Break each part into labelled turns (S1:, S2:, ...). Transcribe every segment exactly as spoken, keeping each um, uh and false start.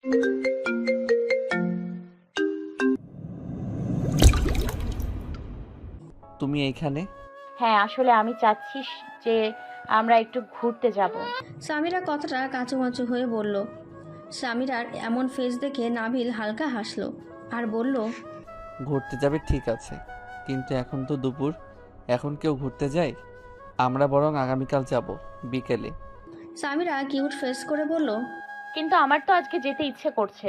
S1: তুমি এইখানে?
S2: হ্যাঁ, আসলে আমি চাচ্ছি যে আমরা একটু ঘুরতে যাব।
S3: সামিরা কথাটা কাঁচুমাচু হয়ে বলল। সামিরার এমন ফেস দেখে নাবিল হালকা হাসলো আর বলল,
S1: ঘুরতে যাবে ঠিক আছে, কিন্তু এখন তো দুপুর, এখন কেউ ঘুরতে যায়? আমরা বরং আগামীকাল যাব বিকেলে।
S3: সামিরা কিউট ফেস করে বলল।
S2: কিন্তু আমার তো আজকে যেতে ইচ্ছে করছে।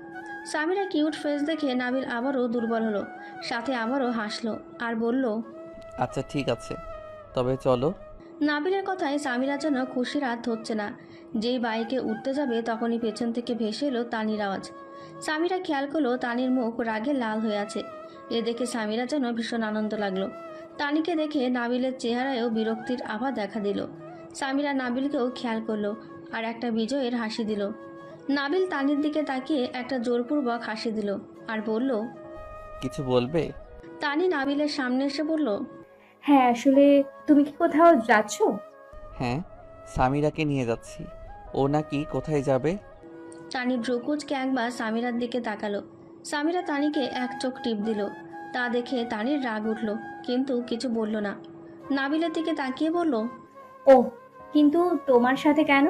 S3: সামিরা কিউট ফেস দেখে নাবিল আবারও দুর্বল হলো, সাথে আবারও হাসলো আর বলল,
S1: আচ্ছা ঠিক আছে, তবে চলো।
S3: নাবিলের কথায় সামিরা যেন খুশির হাত ধরছে না। যেই বাইকে উঠতে যাবে তখনই পেছন থেকে ভেসে এলো তানির আওয়াজ। সামিরা খেয়াল করলো তানির মুখ রাগে লাল হয়ে আছে। এ দেখে সামিরা যেন ভীষণ আনন্দ লাগলো। তানিকে দেখে নাবিলের চেহারায়ও বিরক্তির আভা দেখা দিল। সামিরা নাবিলকেও খেয়াল করলো আর একটা বিজয়ের হাসি দিল। নাবিল তানির দিকে তাকিয়ে একটা জোরপূর্বক হাসি দিল আর বলল,
S1: কিছু বলবে?
S3: তানি নাবিলের সামনে এসে বলল,
S4: হ্যাঁ, আসলে তুমি কি কোথাও যাচ্ছ?
S1: হ্যাঁ, সামিরাকে নিয়ে যাচ্ছি। ও নাকি কোথায় যাবে?
S3: তানি ভ্রুকুচকে একবার সামিরার দিকে তাকালো। সামিরা তানিকে এক চোখ টিপ দিল। তা দেখে তানির রাগ উঠল, কিন্তু কিছু বলল না। নাবিলের দিকে তাকিয়ে বলল,
S4: ও, কিন্তু তোমার সাথে কেন?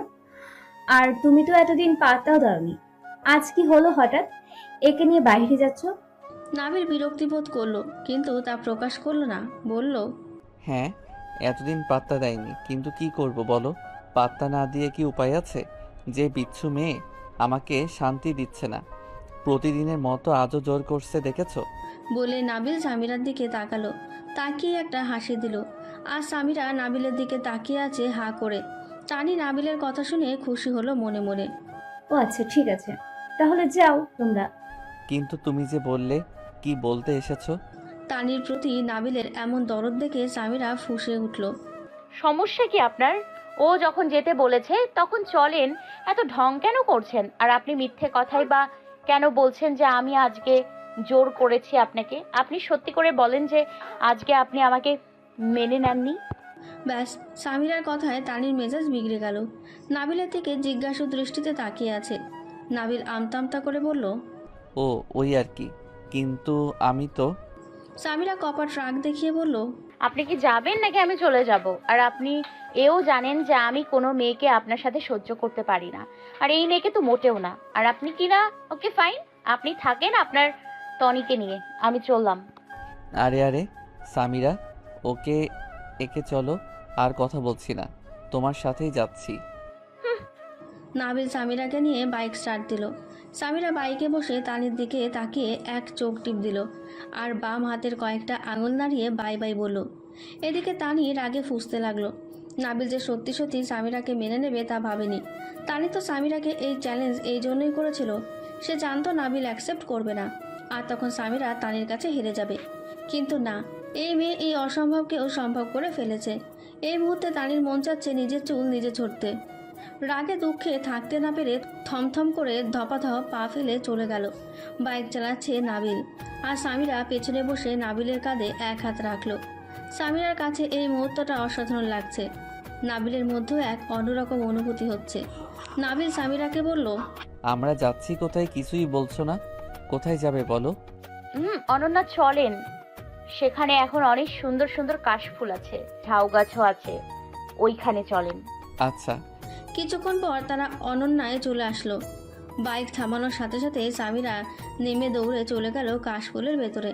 S4: আর তুমি তো এতদিন পাত্তাও দাওনি, আজ কি হলো হঠাৎ একে নিয়ে বাইরে যাচ্ছ?
S3: নাবিল বিরক্তি বোধ করলো, কিন্তু তা প্রকাশ করলো না। বলল,
S1: হ্যাঁ, এতদিন পাত্তা দেয়নি, কিন্তু কি করব বলো? পাত্তা না দিয়ে কি উপায় আছে? যে বিচ্ছু মেয়ে আমাকে শান্তি দিচ্ছে না, প্রতিদিনের মতো আজও জোর করছে, দেখেছো?
S3: বলে নাবিল সামিরার দিকে তাকালো। তাকিয়ে একটা হাসি দিল। আর সামিরা নাবিলের দিকে তাকিয়ে আছে হা করে। তানি নাবিলের কথা শুনে খুশি হলো মনে মনে।
S4: ও আচ্ছা, ঠিক আছে, তাহলে যাও তোমরা।
S1: কিন্তু তুমি যে বললে, কি বলতে এসেছো?
S3: তানির প্রতি নাবিলের এমন দরদ দেখে সামিরা ফুঁসে উঠল।
S2: সমস্যা কি আপনার? ও যখন যেতে বলেছে তখন চলেন, এত ঢং কেন করছেন? আর আপনি মিথ্যে কথাই বা কেন বলছেন যে আমি আজকে জোর করেছি আপনাকে? আপনি সত্যি করে বলেন যে আজকে আপনি আমাকে মেনে নেননি।
S3: ব্যাস, সামিরার কথায় তানির মেজাজ বিগড়ে গেল। নাবিলের দিকে জিজ্ঞাসু দৃষ্টিতে তাকিয়ে আছে। নাবিল আমতা আমতা করে বলল,
S1: ও ওই আর কি, কিন্তু আমি তো।
S3: সামিরা কপাট রাগ দেখিয়ে বলল,
S2: আপনি কি যাবেন নাকি আমি চলে যাব? আর আপনি এও জানেন যে আমি কোনো মেয়েকে আপনার সাথে সহ্য করতে পারি না, আর এই মেয়েকে তো মোটেও না। আর আপনি কি না? ওকে ফাইন, আপনি থাকেন আপনার টনিকে নিয়ে, আমি চললাম।
S1: আরে আরে সামিরা, ওকে, একে চলো, আর কথা বলছি না, তোমার সাথেই যাচ্ছি।
S3: নাবিল সামিরাকে নিয়ে বাইক স্টার্ট দিল। সামিরা বাইকে বসে তানির দিকে তাকিয়ে এক চোখ টিপ দিল আর বাম হাতের কয়েকটা আঙুল নাড়িয়ে বাই বাই বলল। এদিকে তানি রাগে ফুঁসতে লাগলো। নাবিল যে সত্যি সত্যি সামিরাকে মেনে নেবে তা ভাবেনি। তানি তো সামিরাকে এই চ্যালেঞ্জ এই জন্যই করেছিল। সে জানতো নাবিল অ্যাকসেপ্ট করবে না, আর তখন সামিরা তানির কাছে হেরে যাবে। কিন্তু না, এই মেয়ে এই অসম্ভবকেও সম্ভব করে ফেলেছে। এই মুহূর্তে তানির মন চাচ্ছে নিজের চুল নিজে ছড়তে। রাগে দুঃখে থাকতে না পেরে থমথম করে ধপাধপ পা ফেলে চলে গেল। বাইক চালাচ্ছে নাবিল, আর সামিরা পেছনে বসে নাবিলের কাঁধে এক হাত রাখলো। সামিরার কাছে এই মুহূর্তটা অসাধারণ লাগছে। নাবিলের মধ্যেও এক অন্যরকম অনুভূতি হচ্ছে। নাবিল সামিরাকে বলল,
S1: আমরা যাচ্ছি কোথায় কিছুই বলছো না, কোথায় যাবে বলো?
S2: হুম, অনন্যা চলেন, সেখানে এখন অনেক সুন্দর সুন্দর কাশফুল আছে, ঝাউ গাছও আছে, ওইখানে চলেন।
S1: আচ্ছা।
S3: কিছুক্ষণ পর তারা অনন্যায় চলে আসলো। বাইক থামানোর সাথে সাথে সামিরা নেমে দৌড়ে চলে গেল কাশফুলের ভেতরে।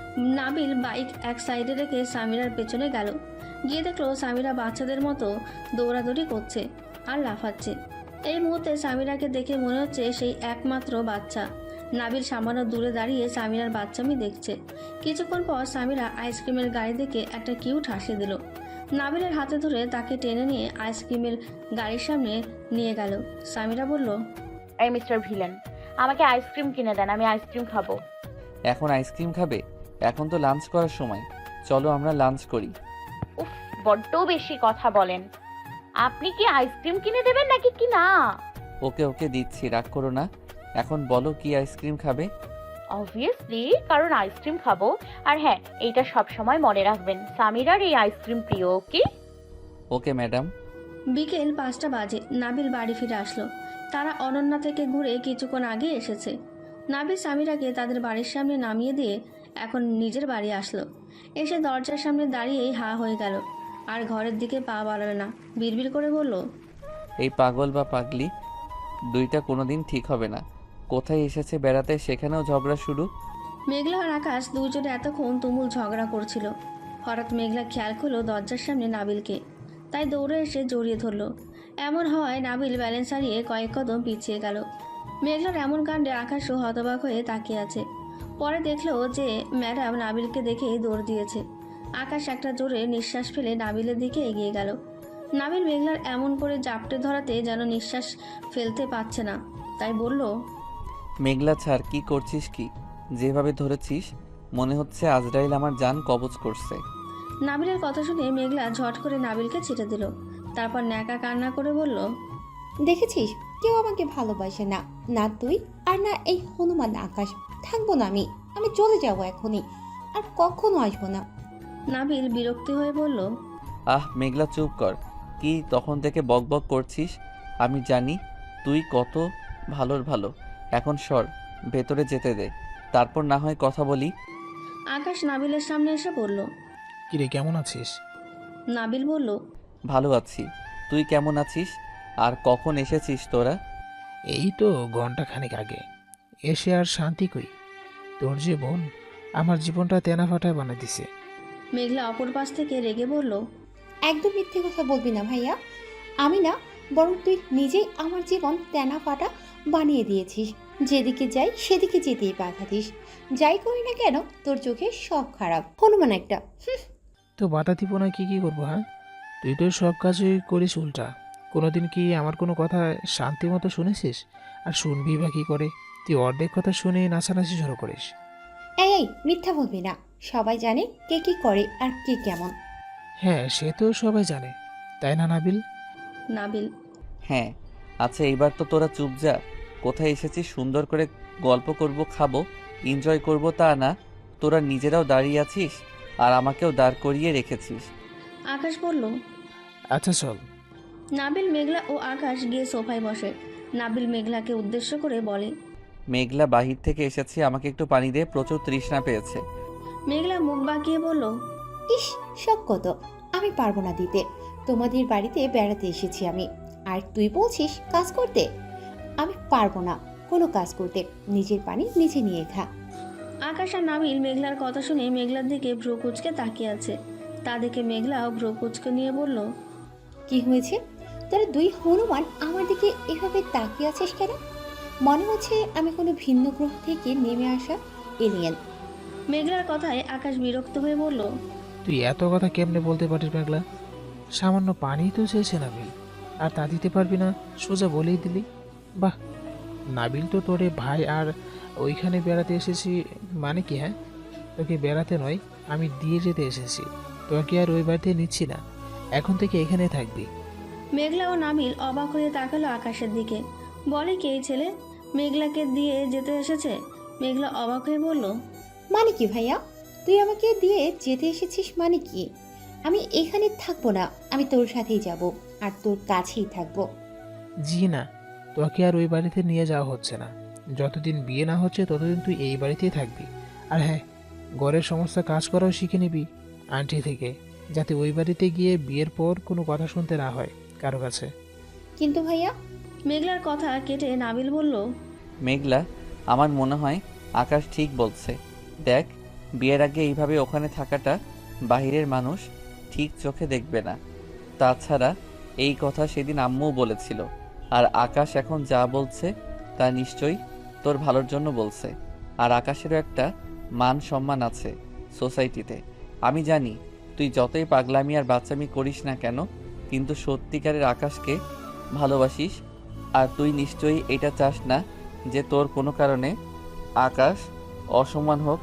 S3: নাবিল বাইক এক সাইডে রেখে সামিরার পেছনে গেল। গিয়ে দেখলো সামিরা বাচ্চাদের মতো দৌড়াদৌড়ি করছে আর লাফাচ্ছে। এই মুহূর্তে সামিরাকে দেখে মনে হচ্ছে সেই একমাত্র বাচ্চা। নাবিল সামান্য দূরে দাঁড়িয়ে সামিরার বাচ্চামি দেখছে। কিছুক্ষণ পর সামিরা আইসক্রিমের গাড়ি দেখে একটা কিউট হাসি দিল। নাবিলের হাতে ধরে তাকে টেনে নিয়ে আইসক্রিমের গাড়ির সামনে নিয়ে গেল। সামিরা বলল,
S2: এই মিস্টার ভিলেন, আমাকে আইসক্রিম কিনে দেন, আমি আইসক্রিম খাবো।
S1: এখন আইসক্রিম খাবে? এখন তো লাঞ্চ করার সময়, চলো আমরা লাঞ্চ করি।
S2: উফ, বড্ড বেশি কথা বলেন। আপনি কি আইসক্রিম কিনে দেবেন নাকি কি না?
S1: ওকে ওকে দিচ্ছি, রাগ করো না। এখন বলো কি আইসক্রিম খাবে?
S2: অবভিয়াসলি, কারণ আইসক্রিম খাবো। আর হ্যাঁ, এইটা সব সময় মনে রাখবেন, সামিরার এই আইসক্রিম প্রিয়। Okay
S1: okay madam.
S3: বিকেল পাঁচটা বাজে নাবিল বাড়ি ফিরে আসলো। তারা অনন্যা থেকে ঘুরে কিছুক্ষণ আগে এসেছে। নাবিল সামিরাকে তাদের বাড়ির সামনে নামিয়ে দিয়ে এখন নিজের বাড়ি আসলো। এসে দরজার সামনে দাঁড়িয়েই হা হয়ে গেল, আর ঘরের দিকে পা বাড়ালো না। বিড়বিড় করে বলল,
S1: এই পাগল বা পাগলি দুইটা কোনোদিন ঠিক হবে না। কোথায় এসেছে বেড়াতে, সেখানেও ঝগড়া শুরু।
S3: মেঘলা আর আকাশ দুজনে এতক্ষণ তুমুল ঝগড়া করছিল। হঠাৎ মেঘলা খেয়াল করলো দরজার সামনে নাবিলকে, তাই দৌড়ে এসে জড়িয়ে ধরলো। এমন হওয়ায় নাবিল ব্যালেন্স হারিয়ে কয়েক কদম পিছিয়ে গেল। মেঘলার এমন কাণ্ডে আকাশও হতবাক হয়ে তাকিয়ে আছে। পরে দেখলো যে ম্যাডাম নাবিলকে দেখে দৌড় দিয়েছে। আকাশ একটা জোরে নিঃশ্বাস ফেলে নাবিলের দিকে এগিয়ে গেল। নাবিল মেঘলার এমন করে জাপটে ধরাতে যেন নিঃশ্বাস ফেলতে পারছে না, তাই বলল,
S1: মেঘলা ছাড়, কি করছিস কি? যেভাবে ধরেছিস মনে হচ্ছে আজরাইল আমার জান কবজ করছে।
S3: নাবিলের কথা শুনে মেঘলা ঝট করে নাবিলকে ছেড়ে দিল। তারপর ন্যাকা কান্না করে বলল,
S5: দেখেছিস, কেউ আমাকে ভালোবাসে না, না তুই আর না এই হনুমান আকাশ। থাকবো না আমি, আমি চলে যাব এখনই, আর কখনো আসবো না।
S3: নাবিল বিরক্তি হয়ে বলল,
S1: আহ মেঘলা চুপ কর, কি তখন থেকে বক বক করছিস? আমি জানি তুই কত ভালোর ভালো। এখন সর, ভেতরে যেতে দে, তারপর না হয় কথা বলি।
S3: আকাশ নাবিলের সামনে এসে বলল।
S6: কিরে, কেমন আছিস?
S3: নাবিল বলল,
S1: ভালো আছি, তুই কেমন আছিস? আর কখন এসেছিস তোরা?
S6: এই তো ঘন্টা খানেক আগে। এসে আর শান্তি কই? তোর যে বোন আমার জীবনটা তেনা ফাটায় বানিয়ে দিছে।
S3: মেঘলা অপর পাশ থেকে রেগে বলল,
S5: একদম মিথ্যে কথা বলবি না ভাইয়া। আমি না, বরং তুই নিজেই আমার জীবন তেনা ফাটা বানিয়ে দিয়েছিস। যেদিকে যাই সেদিকে যেতেই বাধা দিস। যাই করি না কেন তোর চোখে সব খারাপ। হনুমান একটা।
S6: তো বাধা দিব না, কি কি করবো? হ্যাঁ, তুই তো সব কাজই করিস উল্টা। কোনোদিন কি আমার কোনো কথা শান্তি মতো শুনেছিস? আর শুনবি বা কী করে? তুই অর্ধেক কথা শুনে নাচানাচি শুরু করিস।
S5: এই এই মিথ্যা বলবি না, সবাই জানে কে কি করে আর কে কেমন।
S6: হ্যাঁ, সে তো সবাই জানে, তাই না নাবিল?
S3: নাবিল,
S1: হ্যাঁ। আচ্ছা এইবার তো তোরা চুপ যা। কোথায় এসেছিস সুন্দর করে গল্প করব, খাবো, এনজয় করব, তা না তোরা নিজেরাও দাঁড়িয়ে আছিস আর আমাকেও দাঁড় করিয়ে রেখেছিস।
S3: আকাশ বলল।
S6: আচ্ছা চল।
S3: নাবিল, মেঘলা ও আকাশ গিয়ে সোফায় বসে। নাবিল মেঘলাকে উদ্দেশ্য করে বলে,
S1: মেঘলা বাহির থেকে এসেছি, আমাকে একটু পানি দে, প্রচুর তৃষ্ণা পেয়েছে।
S3: মেঘলা মুখ বাঁকিয়ে বলল,
S5: ইস, শখ কত। আমি পারবো না দিতে। তোমাদের বাড়িতে বেড়াতে এসেছি আমি, আর তুই বলছিস কাজ করতে? আমি পারবো না কোনো কাজ করতে। নিজের পানি নিজে নিয়ে খা।
S3: আকাশ আর নাবিল মেঘলার কথা শুনে মেঘলার দিকে ভ্রু কুচকে তাকিয়ে আছে। তা দেখে মেঘলাও ভ্রু কুচকে নিয়ে বলল,
S5: কি হয়েছে? তোরা দুই হনুমান আমার দিকে এভাবে তাকিয়ে আছিস কেন? মনে হচ্ছে আমি কোনো ভিন্ন গ্রহ থেকে নেমে আসা এলিয়েন।
S3: মেঘলার কথায় আকাশ বিরক্ত হয়ে বলল,
S6: তুই এত কথা কেমনে বলতে পারিস মেঘলা? সামান্য পানি তো চেয়েছে নাবিল, আর তা দিতে পারবি না? সোজা বলেই দিলি। বাহ, নাবিল তো তোরে ভাই, আর ওইখানে বেড়াতে এসেছি মানে কি? হ্যাঁ, তোকে বেড়াতে নয়, আমি দিয়ে যেতে এসেছি। তোকে আর ওই বাড়িতে নিচ্ছি না, এখন থেকে এখানে থাকবি।
S3: মেঘলা ও নাবিল অবাক হয়ে তাকালো আকাশের দিকে। বলে কি এই ছেলে মেঘলাকে দিয়ে যেতে এসেছে? মেঘলা অবাক হয়ে বলল,
S5: মানে কি ভাইয়া? তুই আমাকে দিয়ে যেতে এসেছিস মানে কি? আমি এখানে থাকবো না, আমি তোর সাথেই যাব আর তোর কাছেই থাকবো।
S6: জি না, তোকে আর ওই বাড়িতে নিয়ে যাওয়া হচ্ছে না। যতদিন বিয়ে না হচ্ছে ততদিন তুই এই বাড়িতেই থাকবি। আর হ্যাঁ, ঘরের সমস্ত কাজ করাও শিখে নিবি আন্টি থেকে, যাতে ওই বাড়িতে গিয়ে বিয়ের পর কোনো কথা শুনতে না হয় কারো কাছে।
S5: কিন্তু ভাইয়া।
S3: মেঘলার কথা কেটে নাবিল বলল,
S1: মেঘলা, আমার মনে হয় আকাশ ঠিক বলছে। দেখ, বিয়ের আগে এইভাবে ওখানে থাকাটা বাহিরের মানুষ ঠিক চোখে দেখবে না। তাছাড়া এই কথা সেদিন আম্মুও বলেছিল। আর আকাশ এখন যা বলছে তা নিশ্চয়ই তোর ভালোর জন্য বলছে। আর আকাশেরও একটা মান সম্মান আছে সোসাইটিতে। আমি জানি তুই যতই পাগলামি আর বাচ্চামি করিস না কেন, কিন্তু সত্যিকারের আকাশকে ভালোবাসিস। আর তুই নিশ্চয়ই এটা চাস না যে তোর কোনো কারণে আকাশ অসম্মান হোক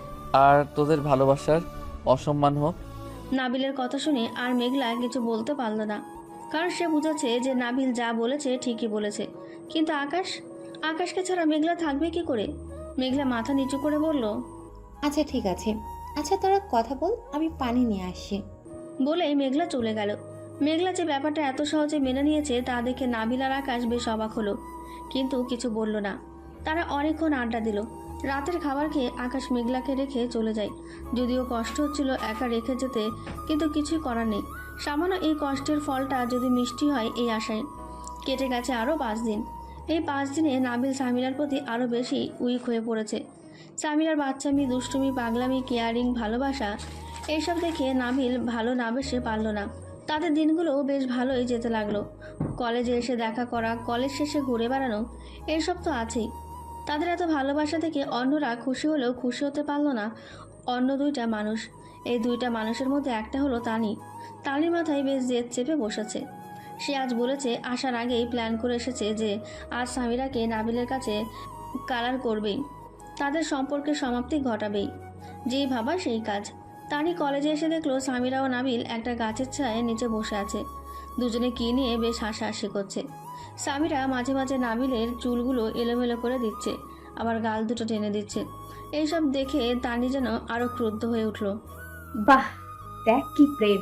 S1: আর তোদের ভালোবাসার অসম্মান হোক।
S3: নাবিলের কথা শুনে আর মেঘলা কিছু বলতে পারল না, কারণ সে বুঝেছে যে নাবিল যা বলেছে ঠিকই বলেছে। কিন্তু আকাশ আকাশকে ছাড়া মেঘলা থাকবে কি করে? মেঘলা মাথা নিচু করে বলল,
S5: আচ্ছা ঠিক আছে, আচ্ছা তোরা কথা বল, আমি পানি নিয়ে আসছি।
S3: বলেই মেঘলা চলে গেল। মেঘলা যে ব্যাপারটা এত সহজে মেনে নিয়েছে তা দেখে নাবিল আর আকাশ বেশ অবাক হলো। কিন্তু কিছু বলল না। তারা অনেকক্ষণ আড্ডা দিল। রাতের খাবার খেয়ে আকাশ মেঘলাকে রেখে চলে যায়। যদিও কষ্ট হচ্ছিল একা রেখে যেতে, কিন্তু কিছুই করার নেই। সামান্য এই কষ্টের ফলটা যদি মিষ্টি হয় এই আশায়। কেটে গেছে আরও পাঁচ দিন। এই পাঁচ দিনে নাবিল সামিরার প্রতি আরও বেশি উইক হয়ে পড়েছে। সামিরার বাচ্চামি, দুষ্টুমি, পাগলামি, কেয়ারিং, ভালোবাসা এইসব দেখে নাবিল ভালো না বেসে পারল না। তাদের দিনগুলো বেশ ভালোই যেতে লাগলো। কলেজে এসে দেখা করা, কলেজ শেষে ঘুরে বেড়ানো, এইসব তো আছেই। তাদের এত ভালোবাসা থেকে অন্যরা খুশি হলেও খুশি হতে পারল না অন্য দুইটা মানুষ। এই দুইটা মানুষের মধ্যে একটা হলো তানি। তানির মাথায় বেশ জেদ চেপে বসেছে। সে আজ বলেছে, আসার আগেই প্ল্যান করে এসেছে যে আজ সামিরাকে নাবিলের কাছে কালার করবেই, তাদের সম্পর্কের সমাপ্তি ঘটাবেই। যেই ভাবা সেই কাজ। তানি কলেজে এসে দেখলো সামিরা ও নাবিল একটা গাছের ছায়ায় নিচে বসে আছে। দুজনে কী নিয়ে বেশ হাসাহাসি করছে। সামিরা মাঝে মাঝে নাবিলের চুলগুলো এলোমেলো করে দিচ্ছে, আবার গাল দুটো টেনে দিচ্ছে। এইসব দেখে তানি যেন আরো ক্রুদ্ধ হয়ে উঠল।
S4: বাহ, দেখ কি প্রেম,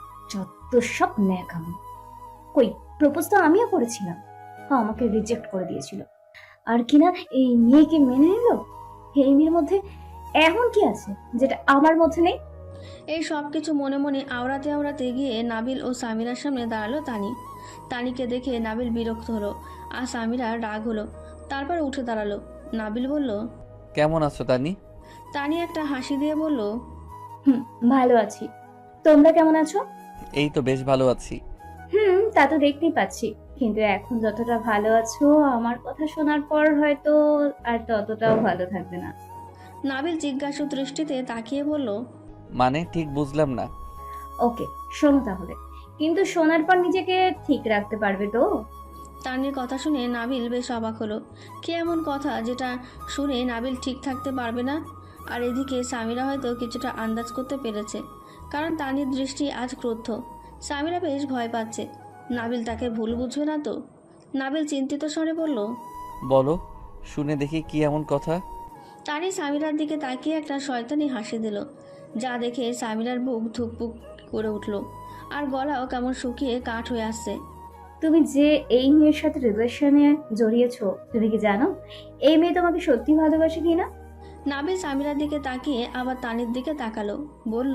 S4: যত সব ন্যাকাম। কই, প্রপোজ তো আমিও করেছিলাম, হ্যাঁ আমাকে রিজেক্ট করে দিয়েছিল। আর কিনা এই মেয়েকে মেনে নিল। এই মেয়ের মধ্যে এমন কি আছে যেটা আমার মধ্যে নেই?
S3: এই সব কিছু মনে মনে আওড়াতে আওড়াতে গিয়ে নাবিল ও সামিরার সামনে দাঁড়ালো তানি। তানিকে দেখে নাবিল বিরক্ত হলো আর সামিরা রাগ হলো। তারপর উঠে দাঁড়ালো। নাবিল বলল,
S1: কেমন আছো তানি?
S3: তানি একটা হাসি দিয়ে বলল,
S4: হুম, ভালো আছি। তোমরা কেমন আছো?
S1: এই তো বেশ ভালো আছি।
S4: হুম, তা তো দেখতেই পাচ্ছি, কিন্তু এখন যতটা ভালো আছো আমার কথা শোনার পর হয়তো আর ততটাও ভালো থাকবে না।
S3: নাবিল জিজ্ঞাসু দৃষ্টিতে তাকিয়ে বলল,
S1: মানে ঠিক বুঝলাম না।
S4: ওকে, শোনো তাহলে, কিন্তু শোনার পর নিজেকে ঠিক রাখতে পারবে তো?
S3: তানির কথা শুনে নাবিল বেশ অবাক হলো। কে এমন কথা যেটা শুনে নাবিল ঠিক থাকতে পারবে না? আর এদিকে সামিরা হয়তো কিছুটা আন্দাজ করতে পেরেছে, কারণ তানির দৃষ্টি আজ ক্রুদ্ধ। সামিরা বেশ ভয় পাচ্ছে, নাবিল তাকে ভুল বুঝবে না তো। নাবিল চিন্তিত স্বরে বলল,
S1: বলো, শুনে দেখি কি এমন কথা।
S3: তানি সামিরার দিকে তাকিয়ে একটা শয়তানি হাসি দিল, যা দেখে সামিরার বুক ধুকপুক করে উঠল আর গলাও কেমন শুকিয়ে কাঠ হয়ে আসছে।
S4: তুমি যে এই মেয়ের সাথে রিলেশনে জড়িয়েছো, তুমি কি জানো এই মেয়ে তোমাকে সত্যি ভালোবাসে কিনা?
S3: নাবিল সামিরার দিকে তাকিয়ে আবার তানির দিকে তাকালো, বলল,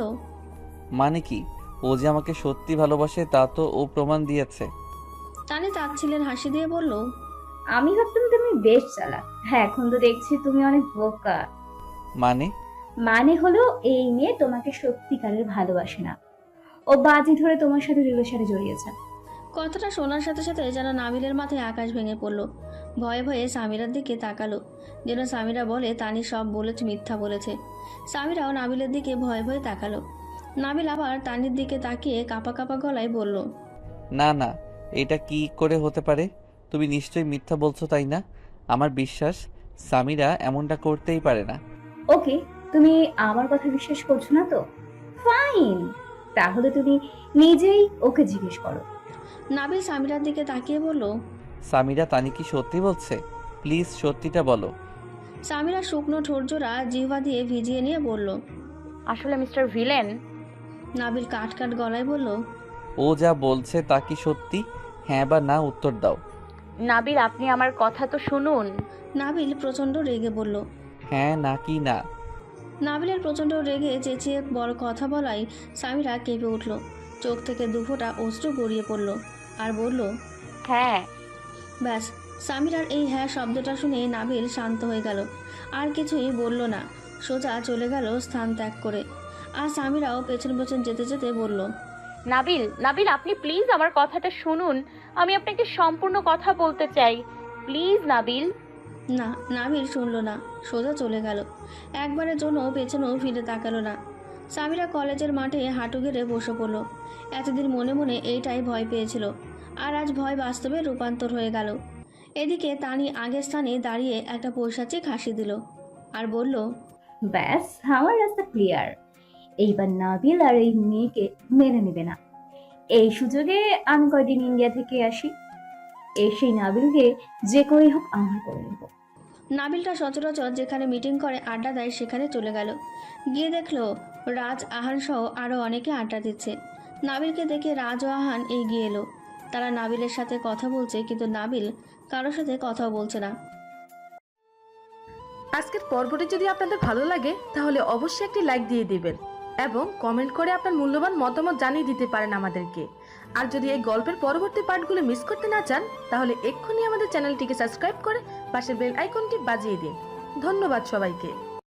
S1: মানে কি? ও যে আমাকে সত্যি ভালোবাসে তা তো ও প্রমাণ দিয়েছে।
S3: তানি তাচ্ছিলেন হাসি দিয়ে বলল,
S4: আমি ভাবতাম তুমি বেশ চালাক, হ্যাঁ এখন তো দেখছি তুমি অনেক বোকা।
S1: মানে?
S4: মানে হলো এই মেয়ে তোমাকে সত্যিকারের ভালোবাসে না, ও বাজি ধরে তোমার সাথে রিলেশনে জড়িয়েছে।
S3: কথাটা শোনার সাথে সাথে যেন নাবিলের মাথায় আকাশ ভেঙে পড়ল। ভয়ে ভয়ে সামিরার দিকে তাকালো, যেন সামিরা বলে তানি সব বলেছে, মিথ্যা বলেছে। সামিরাও নাবিলের দিকে ভয়ে ভয়ে তাকালো। নাবিল আবার তানির দিকে তাকিয়ে কাঁপা কাঁপা গলায় বলল,
S1: না না, এটা কি করে হতে পারে? তুমি নিশ্চয়ই মিথ্যা বলছো, তাই না? আমার বিশ্বাস সামিরা এমনটা করতেই পারে না।
S4: ওকে, তুমি আমার কথা বিশ্বাস করছো না তো ফাইন, তাহলে তুমি নিজেই ওকে জিজ্ঞেস করো।
S3: নাবিল সামিরার দিকে তাকিয়ে বলল,
S1: সামিরা তানি কি সত্যি বলছে? প্লিজ সত্যিটা বলো।
S3: সামিরা শুকনো ঠোরজোড়া জিহ্বা দিয়ে ভিজিয়ে নিয়ে বলল।
S2: আসলে মিস্টার ভিলেন,
S3: নাবিল কাট কাট গলায় বলল,
S1: ও যা বলছে তা কি সত্যি? হ্যাঁ বা না উত্তর দাও।
S2: নাবিল আপনি আমার কথা তো শুনুন।
S3: নাবিল প্রচণ্ড রেগে বলল।
S1: হ্যাঁ না কি না?
S3: নাবিলের প্রচণ্ড রেগে চেঁচিয়ে বড় কথা বলাই সামিরা কেঁপে উঠল। চোখ থেকে দুফোঁটা অশ্রু গড়িয়ে পড়ল আর বলল,
S2: হ্যাঁ।
S3: ব্যাস, সামিরার এই হ্যাঁ শব্দটা শুনে নাবিল শান্ত হয়ে গেল। আর কিছুই বলল না, সোজা চলে গেল স্থান ত্যাগ করে। আর সামিরাও পেছন পেছন যেতে যেতে বলল,
S2: নাবিল নাবিল আপনি প্লিজ আমার কথাটা শুনুন, আমি আপনাকে সম্পূর্ণ কথা বলতে চাই, প্লিজ নাবিল।
S3: না, নাবিল শুনল না, সোজা চলে গেল। একবারের জন্য পেছনেও ফিরে তাকালো না। সামিরা কলেজের মাঠে হাঁটু গেড়ে বসে পড়ল। এতদিন মনে মনে এইটাই ভয় পেয়েছিল, আর আজ ভয় বাস্তবে রূপান্তর হয়ে গেল। এদিকে তানি আগের স্থানে দাঁড়িয়ে একটা পৈশাচিক হাসি দিল আর বলল,
S4: ব্যাস, আমার রাস্তা ক্লিয়ার। এইবার নাবিল আর এই মেয়েকে মেনে নেবে না। এই সুযোগে আমি কয়দিন ইন্ডিয়া থেকে আসি, এসেই নাবিলকে যে করেই হোক আমার করে নেব।
S3: নাবিলটা সচরাচর যেখানে মিটিং করে আড্ডা দেয় সেখানে চলে গেল। গিয়ে দেখলো রাজ, আহান সহ আরও অনেকে আড্ডা দিচ্ছে। নাবিলকে দেখে রাজ ও আহান এগিয়ে এলো। তারা নাবিলের সাথে কথা বলছে, কিন্তু নাবিল কারোর সাথে কথাও বলছে না।
S7: আজকের পর্বটি যদি আপনাদের ভালো লাগে তাহলে অবশ্যই একটি লাইক দিয়ে দিবেন এবং কমেন্ট করে আপনার মূল্যবান মতামত জানিয়ে দিতে পারেন আমাদেরকে। আর যদি এই গল্পের পরবর্তী পার্টগুলো মিস করতে না চান তাহলে এক্ষুনি আমাদের চ্যানেলটিকে সাবস্ক্রাইব করে পাশের বেল আইকনটি বাজিয়ে দিন। ধন্যবাদ সবাইকে।